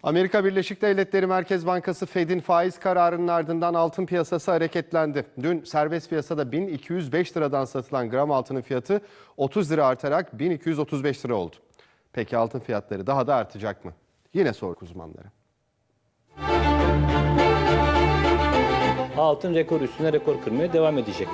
Amerika Birleşik Devletleri Merkez Bankası Fed'in faiz kararının ardından altın piyasası hareketlendi. Dün serbest piyasada 1205 liradan satılan gram altının fiyatı 30 lira artarak 1235 lira oldu. Peki altın fiyatları daha da artacak mı? Yine sorduk uzmanlara. Altın rekor üstüne rekor kırmaya devam edecek.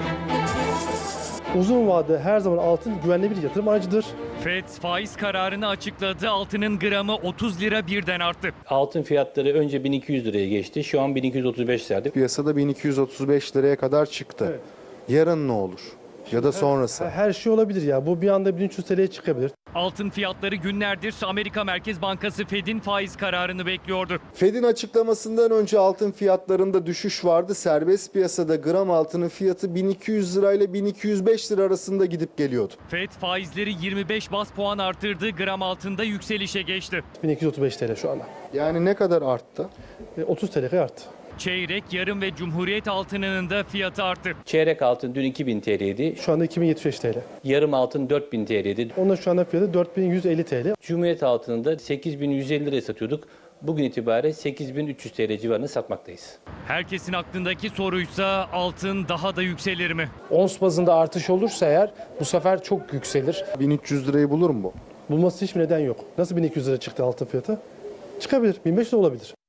Uzun vadede her zaman altın güvenli bir yatırım aracıdır. Fed faiz kararını açıkladı. Altının gramı 30 lira birden arttı. Altın fiyatları önce 1200 liraya geçti. Şu an 1235 lirada. Piyasada 1235 liraya kadar çıktı. Evet. Yarın ne olur? Ya da sonrası? Her şey olabilir ya. Bu bir anda 1300 TL'ye çıkabilir. Altın fiyatları günlerdir Amerika Merkez Bankası Fed'in faiz kararını bekliyordu. Fed'in açıklamasından önce altın fiyatlarında düşüş vardı. Serbest piyasada gram altının fiyatı 1200 lirayla 1205 lira arasında gidip geliyordu. Fed faizleri 25 bas puan arttırdı. Gram altında yükselişe geçti. 1235 TL şu anda. Yani ne kadar arttı? 30 TL arttı. Çeyrek, yarım ve Cumhuriyet altınının da fiyatı arttı. Çeyrek altın dün 2000 TL'ydi. Şu anda 2075 TL. Yarım altın 4000 TL'ydi. Onun şu anda fiyatı 4150 TL. Cumhuriyet altını da 8150 liraya satıyorduk. Bugün itibariyle 8300 TL civarında satmaktayız. Herkesin aklındaki soruysa altın daha da yükselir mi? Ons bazında artış olursa eğer bu sefer çok yükselir. 1300 lirayı bulur mu bu? Bulması hiçbir neden yok. Nasıl 1200 lira çıktı altın fiyatı? Çıkabilir. 1500 de olabilir.